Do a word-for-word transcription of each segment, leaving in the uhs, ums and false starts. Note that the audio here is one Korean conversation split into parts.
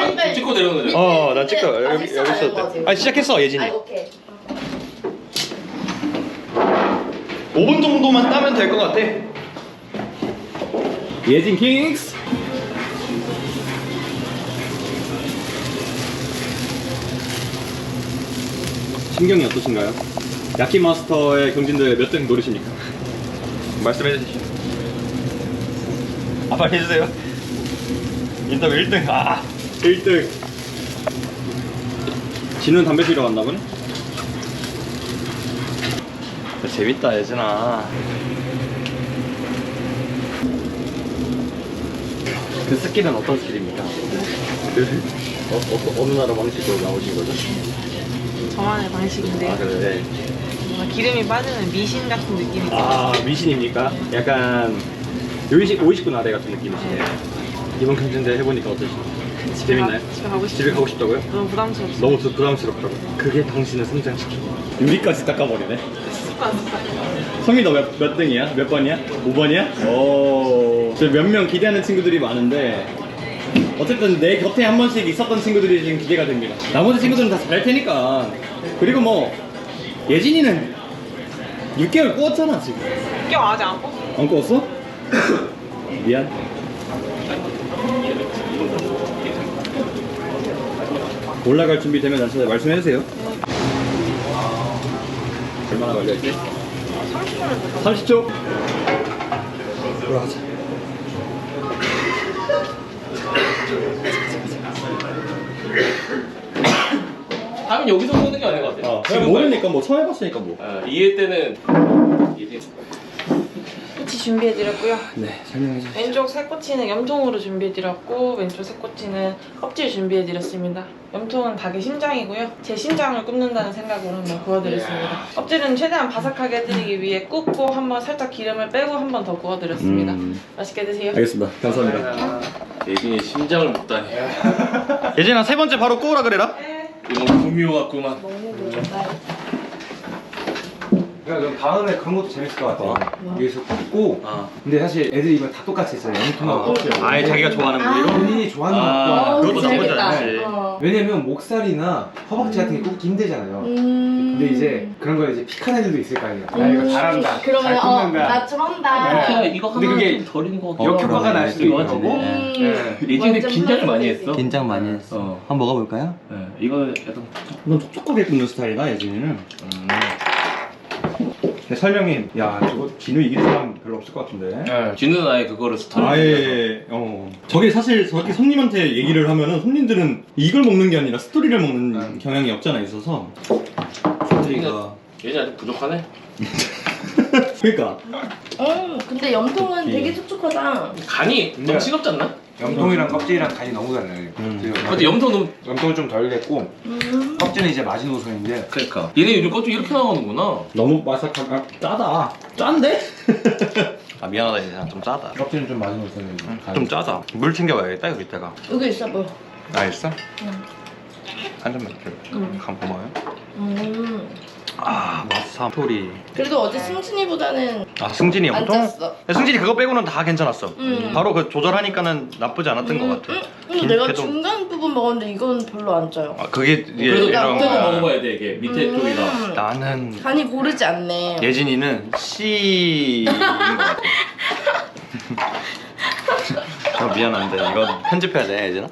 아, 찍고 내려오는 거죠? 어, 난 찍고 아, 여기 됐어, 여기 알고 있었대. 같아요. 아, 시작했어 예진이. 아, 오케이. 오 분 정도만 따면 될 것 같아. 예진 킹스. 심경이 어떠신가요? 야키 마스터의 경진대 몇 등 노리십니까? 말씀해 주시죠. 아, 빨리 해주세요. 인터뷰 일 등. 아, 일 등. 진우는 담배 피러 갔나 보네? 재밌다 예진아. 그 스킬은 어떤 스킬입니까? 어, 어, 어느 나라 방식으로 나오신 거죠? 저만의 방식인데 아 그래. 뭔가 기름이 빠지는 미신 같은 느낌이 있어요. 아 미신입니까? 약간 요이식 오이식군 아래 같은 느낌이시네요. 네. 이번 경진대 해보니까 어떠신가요? 집에 가- 재밌나요? 집에 가고 싶어요. 집에 가고 싶다고요? 너무 부담스럽죠. 너무 부- 부담스럽다고. 그게 당신을 성장시키고 유리까지 닦아버리네. 성이 너 몇 몇 등이야? 몇 번이야? 오 번이야? 오. 저 몇 명 기대하는 친구들이 많은데 어쨌든 내 곁에 한 번씩 있었던 친구들이 지금 기대가 됩니다. 나머지 친구들은 다 잘할 테니까. 그리고 뭐 예진이는 육 개월 꾸었잖아 지금. 껴 아직 안 뽑. 안 꾸었어? 미안. 올라갈 준비 되면 저한테 말씀해 주세요. 얼마나 걸려있지? 삼십 초를 삼십 초. 올라가자. 다음은 여기서 보는 게 아닌 것 같아요. 어, 그냥 모르니까 뭐 처음 해봤으니까 뭐. 아, 이해 때는 이게 꼬치 준비해드렸고요. 네, 설명해 주세요. 왼쪽 새꼬치는 염통으로 준비해드렸고 왼쪽 새꼬치는 껍질 준비해드렸습니다. 염통은 닭의 심장이고요. 제 심장을 굽는다는 생각으로 한번 구워드렸습니다. 껍질은 최대한 바삭하게 해드리기 위해 굽고 한번 살짝 기름을 빼고 한 번 더 구워드렸습니다. 음. 맛있게 드세요. 알겠습니다. 감사합니다. 예진이 심장을 먹다니. 예진아 세 번째 바로 구우라 그래라. 이거 너무 구미호 같구만. 먹는 거 좋아요. 그러니까 그럼 다음에 그런 것도 재밌을 것 같아요. 여기서 굽고 어. 근데 사실 애들이 이거 다 똑같이 했어요. 영통하고 껍질. 아예 자기가 좋아하는 아. 부위로. 본인이 좋아하는 아, 맛과 그것도 나쁘지 재밌겠다. 않지. 어. 왜냐면 목살이나 허벅지 같은 게 굽기 힘들잖아요. 음. 근데 이제 그런 거 이제 픽한 애들도 있을 거 아니에요. 나 이거 잘한다. 그러면 잘 어, 굽는다. 나 좀 한다. 네. 이거 근데 하나 그게 좀 덜인 거 같아. 역효과가 날 수도 있는 거고. 음. 네. 예진이 완전 긴장을 많이 플러스 했어. 긴장 많이 했어. 어. 한번 먹어볼까요? 네, 이거 약간 넌 촉촉하게 굽는 스타일이다 예진이는. 음. 근데 설명이 야 저거 진우 이길 사람 별로 없을 것 같은데. 네. 진우는 아예 그거를 스토리. 아예 어 저게 사실 저렇게 손님한테 얘기를 하면은 손님들은 이걸 먹는 게 아니라 스토리를 먹는 음. 경향이 없잖아 있어서 스토리가 예진 아직 부족하네. 그러니까 음, 근데 염통은 예. 되게 촉촉하다. 간이 네. 너무 싱겁지 않나? 염통이랑 껍질이랑 간이 너무 달라요. 음. 그래서 근데 염통 너무. 염통은 좀 덜 됐고 음. 껍질은 이제 마지노선인데 그러니까 얘네 요즘 껍질 이렇게 나오는구나. 너무 바삭한 아, 짜다 짠데? 아 미안하다 이제 좀 짜다 껍질은 좀 마지노선이에요. 좀 짜다 물 챙겨와야겠다 여기 있다가 여기 있어 뭐. 아 있어? 응. 한 잔만 이렇게 응. 간 고마워요. 음. 아 마사 토리. 그래도 어제 승진이보다는 아 승진이 안 보통 짰어. 승진이 그거 빼고는 다 괜찮았어. 음. 바로 그 조절하니까는 나쁘지 않았던 음, 것 같아. 음, 근데 긴- 내가 그래도- 중간 부분 먹었는데 이건 별로 안 짜요. 아 그게 이게 그래도 이런 밑에도 거야. 먹어봐야 돼 이게 밑에 음. 쪽이라. 나는 간이 고르지 않네. 예진이는 C인 것 같아. 저 미안한데 이건 편집해야 돼 예진아.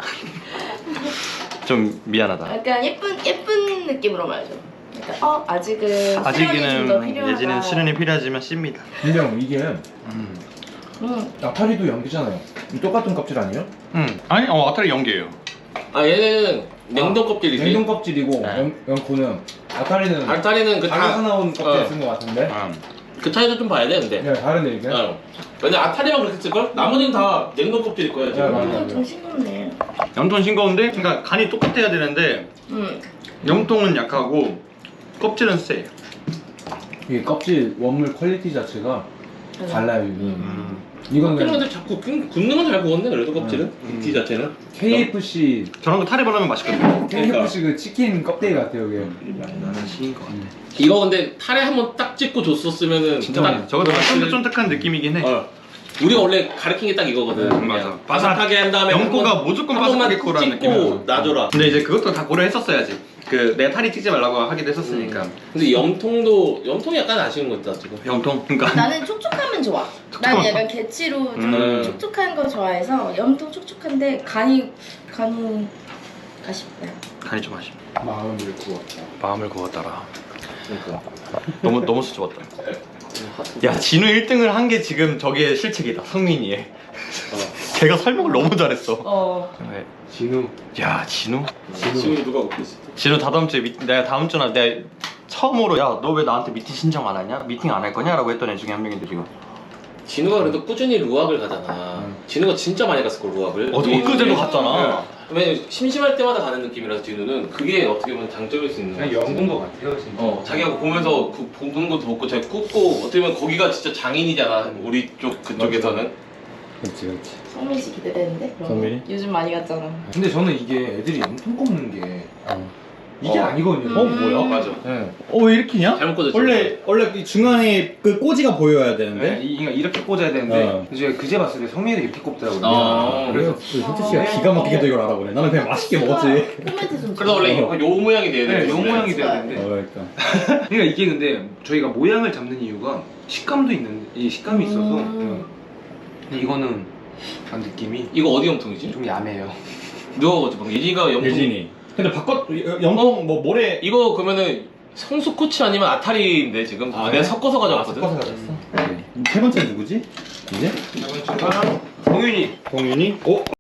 좀 미안하다. 약간 예쁜 예쁜 느낌으로 말해줘. 약간 어 아직은 수련이 좀더 아직은 필요하다. 예진은 수련이 필요하지만 C입니다. 근데 형 이게 음. 음. 아타리도 연기잖아요. 똑같은 껍질 아니에요? 음. 아니 어 아타리 연계예요. 아 얘는 냉동 껍질이지. 냉동 껍질이고 네. 연, 연코는 아타리는 알타리는 그 가게에서 다, 나온 껍질 어. 쓴 것 같은데. 음. 그 차이도 좀 봐야 돼 근데. 네, 다른데 이게. 어. 근데 아타리만 그렇게 쓸걸? 나머지는 다 냉동 껍질일 거야 네, 지금. 맞아. 이건 좀 싱겁네. 염통 싱거운데 그러니까 간이 똑같아야 되는데 음. 염통은 약하고 껍질은 세. 이게 껍질 원물 퀄리티 자체가 달라요. 이게. 음. 이건 껍질은 그냥 근데 자꾸 굽- 굽는 건 잘 구웠네 그래도 껍질은. 음. 굽기 자체는. 케이에프씨 저런 거 타레 발라면 맛있거든요. 케이에프씨 그 치킨 껍데기 같아요 이게. 나는 C인 것 같아. 이거 근데 탈에 한번 딱 찍고 줬었으면은 진짜 딱 맛있어. 저거 더 맛있을- 쫀득쫀득한 느낌이긴 해. 어. 우리가 원래 가르친 게 딱 이거거든. 음, 그냥 맞아. 바삭하게 한 다음에 염고가 한 번- 무조건 한 번만 바삭하게 거라는 찍고 느낌이야. 놔줘라. 근데 이제 그것도 다 고려했었어야지. 그 내가 탈이 찌지 말라고 하기도 했었으니까. 근데 염통도 염통이 약간 아쉬운 것 같다 지금. 염통. 그러니까 나는 촉촉하면 좋아. 난 약간 개치로 좀 음. 촉촉한 거 좋아해서 염통 촉촉한데 간이 간이 아쉽다. 간이 좀 아쉽. 마음을 구웠다. 마음을 구웠더라. 그러니까. 너무 너무 수줍었다. 야 진우 일 등을 한 게 지금 저게 실책이다. 성민이의. 걔가 설명을 너무 잘했어. 어. 네. 진우. 야 진우? 지금 누가 웃고 있어? 진우 다다음 주에 미, 내가 다음 주나 내가 처음으로 야 너 왜 나한테 미팅 신청 안 하냐? 미팅 안 할 거냐? 라고 했던 애 중에 한 명인데 지금. 진우가 그래도 꾸준히 루악을 가잖아. 진우가 진짜 많이 갔을 걸 루악을. 어, 엊그제도 갔잖아. 왜냐면 심심할 때마다 가는 느낌이라서 진우는 그게 어떻게 보면 장점일 수 있는 거야. 그냥 연구인 것 같아요 진짜. 어, 자기가 보면서 그 보는 것도 보고 잘 굽고 어떻게 보면 거기가 진짜 장인이잖아. 우리 쪽 그쪽에서는. 그렇지 그렇지. 성민 씨 기대되는데? 그런 거? 성민이? 요즘 많이 갔잖아. 근데 저는 이게 애들이 염통 꼽는 게 이게 어. 아니거든요. 어, 뭐야? 맞아. 네. 어 왜 이렇게냐? 잘못 꽂았지. 원래 원래 이 중간에 그 꼬지가 보여야 네, 되는데. 이- 그러니까 이렇게 꽂아야 되는데 어. 이제 그제 봤을 때 성민이도 이렇게 꼽더라고요. 어. 그래서 현태 씨가 기가 막히게도 이걸 알아보네. 나는 그냥 맛있게 먹었지. 코멘트 좀. 그래서 원래 어. 요 모양이 돼야 돼. 네, 요 모양이 돼야 어, 되는데 그러니까. 그러니까 이게 근데 저희가 모양을 잡는 이유가 식감도 있는 이 식감이 있어서 음. 근데 이거는 아, 느낌이 이거 어디 염통이지? 좀 야매요. 누가 먹었지? 방금 예진이가 염통. 예진이. 근데 바꿨 영통 뭐 모래. 이거 그러면은 성수 코치 아니면 아타리인데 지금 아, 내가 그래? 섞어서 가져왔거든. 섞어서 가졌어. 세 번째 누구지? 이제? 동윤이 동윤이. 어?